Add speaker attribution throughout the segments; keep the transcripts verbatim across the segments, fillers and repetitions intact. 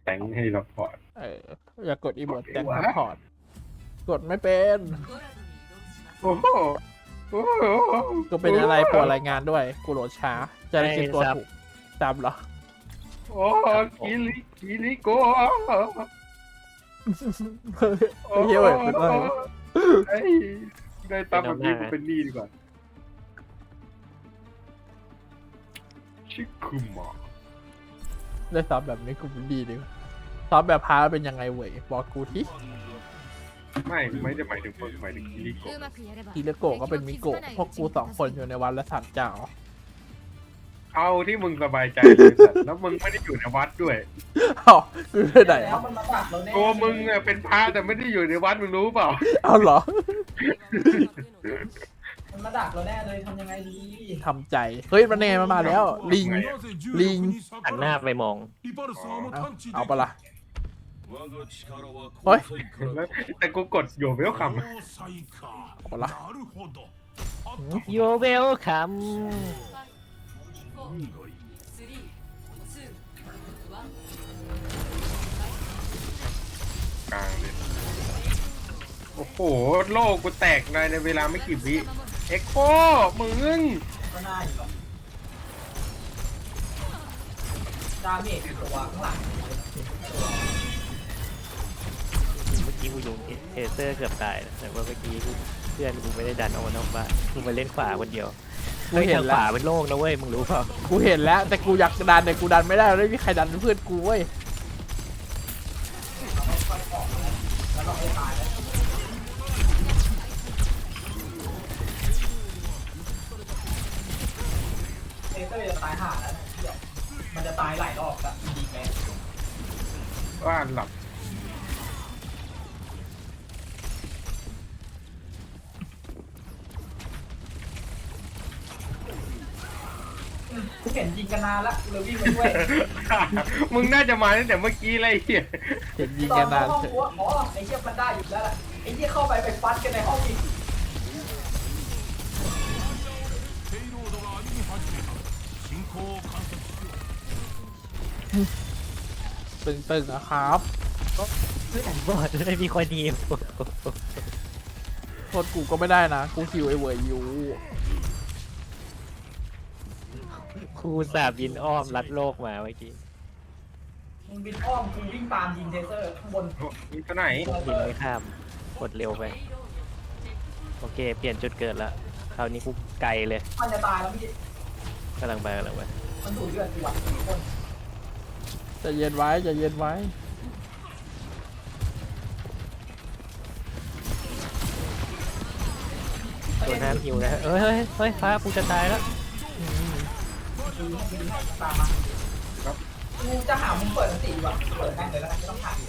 Speaker 1: แต่งให้เราพอร์ต
Speaker 2: เอออย่ากดอีโมดแต่งซัพพอร์ตกดไม่เป็น
Speaker 1: โอ้โหโอ้โห
Speaker 2: กูเป็นอะไรปวดรายงานด้วยกูโหลดช้าจะได้คิดตัวถูกจำเหรอ
Speaker 1: โอ้กิลิกิลิโก
Speaker 2: ไอ้เหี้ยเว้ยเป็นอะไรวะ
Speaker 1: ไอ้ได้ตามแบบนี้กูเป็นหนี้ดีกว่าชิคุมะ
Speaker 2: ได้ซ้อมแบบนี้กูเป็นดีดีซ้อมแบบพาเป็นยังไงเว้ยบอกกูที่
Speaker 1: ไม่ไม่ได้หมายถึงมึงหมายถึงกิลิโก
Speaker 2: ทีละโกะก็เป็นมิโกะพวกกูสองคนอยู่ในวันละสามเจ้า
Speaker 1: เอาที่มึงสบายใจเลยสัตว์แล้วมึงไม่ได้อยู่ในวัดด้วย
Speaker 2: อ้าวกูไปไหน
Speaker 3: แล้ว
Speaker 2: วะ
Speaker 3: มันมาดักเราแน่
Speaker 1: ตัวมึงอะเป็นพระแต่ไม่ได้อยู่ในวัดมึงรู้เปล่า
Speaker 2: เอาเหรอ
Speaker 3: มันมาดักเราแน่เลยทำยังไงดี
Speaker 2: ทำใจเฮ้ยมันเนมันมาแล้ว ลิง ลิง
Speaker 4: หันหน้าไปมอง
Speaker 2: เอาเอาปะล่ะ
Speaker 5: เฮ้ย
Speaker 1: แล้วแต่กูกดอยู่ไม่ต้องค
Speaker 2: เอาปะล่ะ
Speaker 4: โยเวลคัม
Speaker 1: ำกลางเลยโอ้โหโลกกูแตกในเวลาไม่กี่วิเอ็กโคมึง
Speaker 3: ก็น่าอยู่หรอกดาเมจตัวข้างหลัง
Speaker 4: เมื่อกี้กูโยนเทเซอร์เกือบตายนะแต่ว่าเมื่อกี้กูเพื่อนกูไม่ได้ดันออกมานอกบ้านกูมาเล่นขวาคนเดียว
Speaker 2: กู
Speaker 4: เฮ้ย
Speaker 2: เห็
Speaker 4: ทาน ง
Speaker 2: แล้
Speaker 4: ขวาว เป็นโล่งนะเว้ยมึงรู้เปล่า
Speaker 2: กูเห็นแล้วแต่กูอยากดันแต่กูดันไม่ได้ไม่มีใครดันเป็นเพื่อนกูเว้ย
Speaker 3: แล้วเราไม่ตายแล้วเทเตอร์จะตายห่าแล้วนะเดี๋ยวมันจะตายหลายรอบแล้วดีแม่
Speaker 1: ว่าหลับ
Speaker 3: กูเห็นยิงกันนานละเลยวิ่งมาด้วย
Speaker 1: มึงน่าจะมาตั้งแต่เมื่อกี้เลยไอ้เหี้ย
Speaker 2: เห็นยิง
Speaker 3: ตอ
Speaker 2: กัน น
Speaker 3: เข้าน
Speaker 2: าน
Speaker 3: ห้องกูว่าอ๋อไอ้เชี่ยมันได้อยู่แล้วล่ะไอ้เชี่ยเข้าไปไปฟัดกันในห้องอีก
Speaker 2: ตึงๆนะครับ
Speaker 4: บอดไม่มีคนดีม
Speaker 2: โทษกูก็ไม่ได้นะกูคิวไอเวยอยู่
Speaker 4: ครูสาบบินอ้อมลัดโลกมาเมื่อกี้
Speaker 3: มึงบินอ้อมกูวิ่งตามยิงเทเซอร์ข้างบน
Speaker 1: มีตัวไหน
Speaker 4: บินไม่ข้ามกดเร็วไปโอเคเปลี่ยนจุดเกิดแล้วคราวนี้กูไกลเลย
Speaker 3: มันจะตายแล้วพี่
Speaker 4: กำลังไปกำลังไป
Speaker 3: มันดูดเลือดกูอ่ะสี่คน
Speaker 2: ใจะเย็นไว้ใจะเย็นไว้
Speaker 4: ตัวน้ำหิวนะเฮ้ยเฮ้ยเฮ้ยฟ้ากูจะตายแล้ว
Speaker 3: ตามมากูจะหามุมเปิดสติดีกว่าเปิดแม่งเลยแล้วกันไม่ต้องถ่าย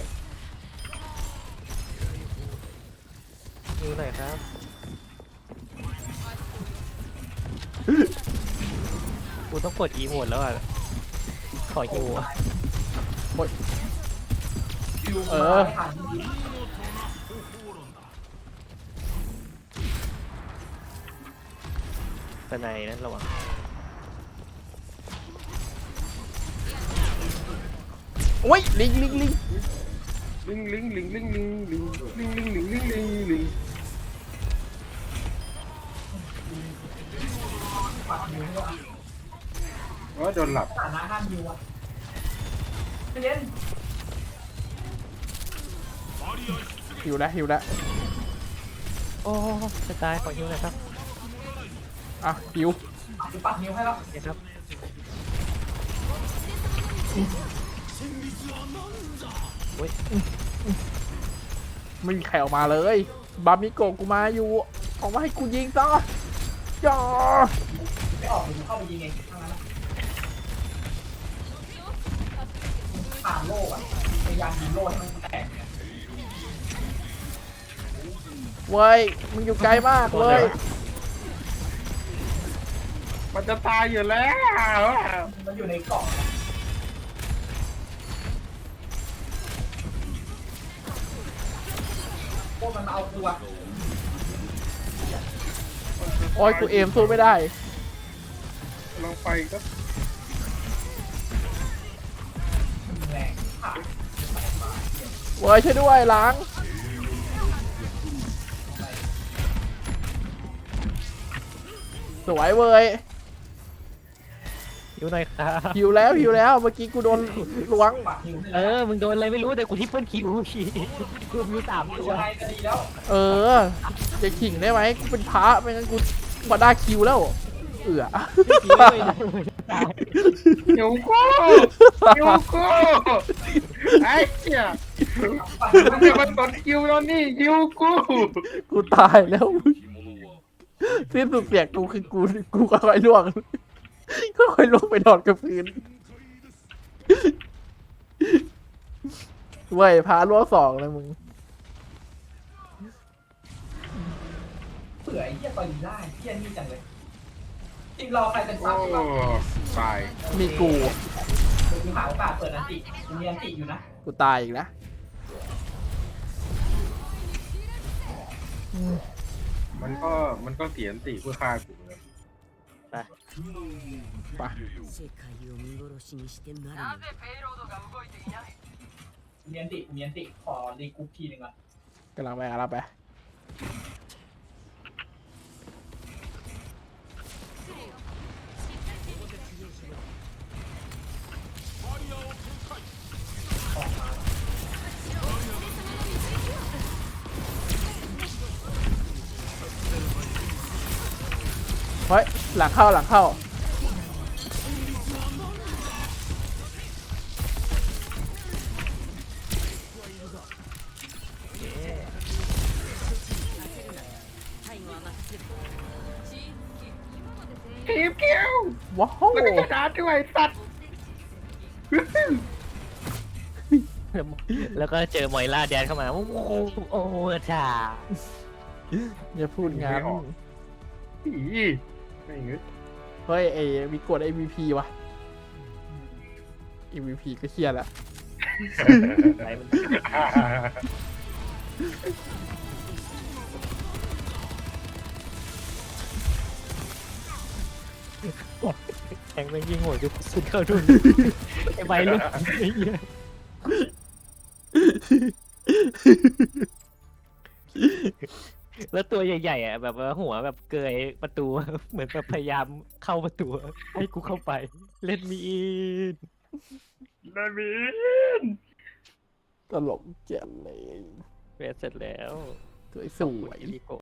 Speaker 4: หิวหน่อยครับกูต้องกดอีโหมดแล้วอ่ะขอหิวอ่ะ
Speaker 2: เออ
Speaker 3: ไม่ทัน
Speaker 4: สไนนั้นระวัง
Speaker 2: โอ้ยลิงลิงลิง
Speaker 1: ลิงลิงลิงลิงลิงลิงลิงลิงลิงลิงลิงลิง
Speaker 3: ปัดนิ้วด้วย
Speaker 1: ว่าโดนหลับ
Speaker 3: ฐานะห้ามนิ้วอ่ะเล่น
Speaker 2: หิวแล้วหิวแล้ว
Speaker 4: โอ้จะตายขอหิวหน่อยครับ
Speaker 2: อ่ะหิว
Speaker 3: กูปัดนิ้วให้แล้ว
Speaker 4: นี่ครับ
Speaker 2: ไม่มีใครออกมาเลย บามิโกะกูมาอยู่ออกมาให้กูยิงซะจ่อ
Speaker 3: ไม่ออกกูเข้าไปยิงเองทั้งนั้นผ่านโล่อะพยายามยิงโล่ให้มันแตก
Speaker 2: เว้ยมึงอยู่ไกลมากเลย
Speaker 1: มันจะตายอยู่แล้ว
Speaker 3: มันอยู่ในกล่องพวกมันมาเอาตัว
Speaker 2: โอ้ยกูเอมสู้ไม่ได้
Speaker 1: ลองไปก็
Speaker 3: แรงผ่าน
Speaker 2: เว้ยช่วยด้วยล้างสวยเว้ย
Speaker 4: หิวหน่อยครับ
Speaker 2: หิวแล้วหิวแล้วเมื่อกี้กูโดนล้วง
Speaker 3: ปากหิว
Speaker 4: เออมึงโดนอะไรไม่รู้แต่กูทิปเปิลคิวกูมีสาม
Speaker 3: หิ
Speaker 4: ตัว ว
Speaker 3: ยังไงก็ดีแล้ว
Speaker 2: เออจะขิงได้ไหมกูเป็นพระไม่งั้นกูมาได้คิวแล้วเอือ
Speaker 1: หิวกูหิวกูไอ้เหี้ย
Speaker 3: ปาก
Speaker 1: มันจะมาตดคิวแล้วนี่หิวกู
Speaker 2: กูตายแล้วสิ้นสุดเสียงกูคือกูกูก็ค่อยล่วงก็ค่อยล่วงไปนอนกับพื้นเว้ยพาล่วงสองเลยมึง
Speaker 3: เผื่อไอ้เหี้ยตอนนี้ได้เหี้ยนี่จังเลยทีมเราใครเป็น
Speaker 1: โอ้
Speaker 3: ซับใช่ปะ
Speaker 1: ตาย
Speaker 2: มีกู
Speaker 3: เดี๋ยวกูหาโอกาสเปิดอันติกูมีอันติอยู่นะ
Speaker 2: กูตายอีกนะ
Speaker 1: มันก็มันก็เสียนติเพื่อฆ่ากูเลย
Speaker 2: ไป
Speaker 6: 世界を見殺しにしてなるの
Speaker 3: มีอันติกูมีอันติขอรีกรุ๊ปทีหนึ่งอ่ะ
Speaker 2: กำลังไปกำลังไปเฮ้ยหลังเข้าหลังเข้า
Speaker 1: ทีมเกี้ยว
Speaker 2: ว้าว
Speaker 1: แล้วก็ชนะด้วยสัตว์
Speaker 4: แล้วก็เจอมอยล่าแดนเข้ามาโอ้โหโอ้โหจ้า
Speaker 2: อย่าพูดงั้น
Speaker 1: อีไม่เงี้ย
Speaker 2: เฮ้ยไอ้มีกด เอ็ม วี พี วะ เอ็ม วี พี ก็เครียดละ
Speaker 4: อะไรมันแทงแม่งยิงหัวจุกสุดเข้าดุนไอ้ใบลูกไอ้เหี้ยแล้วตัวใหญ่ๆอ่ะแบบว่าหัวแบบเกยประตูเหมือนแบบพยายามเข้าประตูให้กูเข้าไปเล่นมีอิน
Speaker 1: นามิน
Speaker 2: ตลกเจ๋งเลย
Speaker 4: เวสเสร็จแล้ว
Speaker 2: สวยสวย
Speaker 4: อีลิโก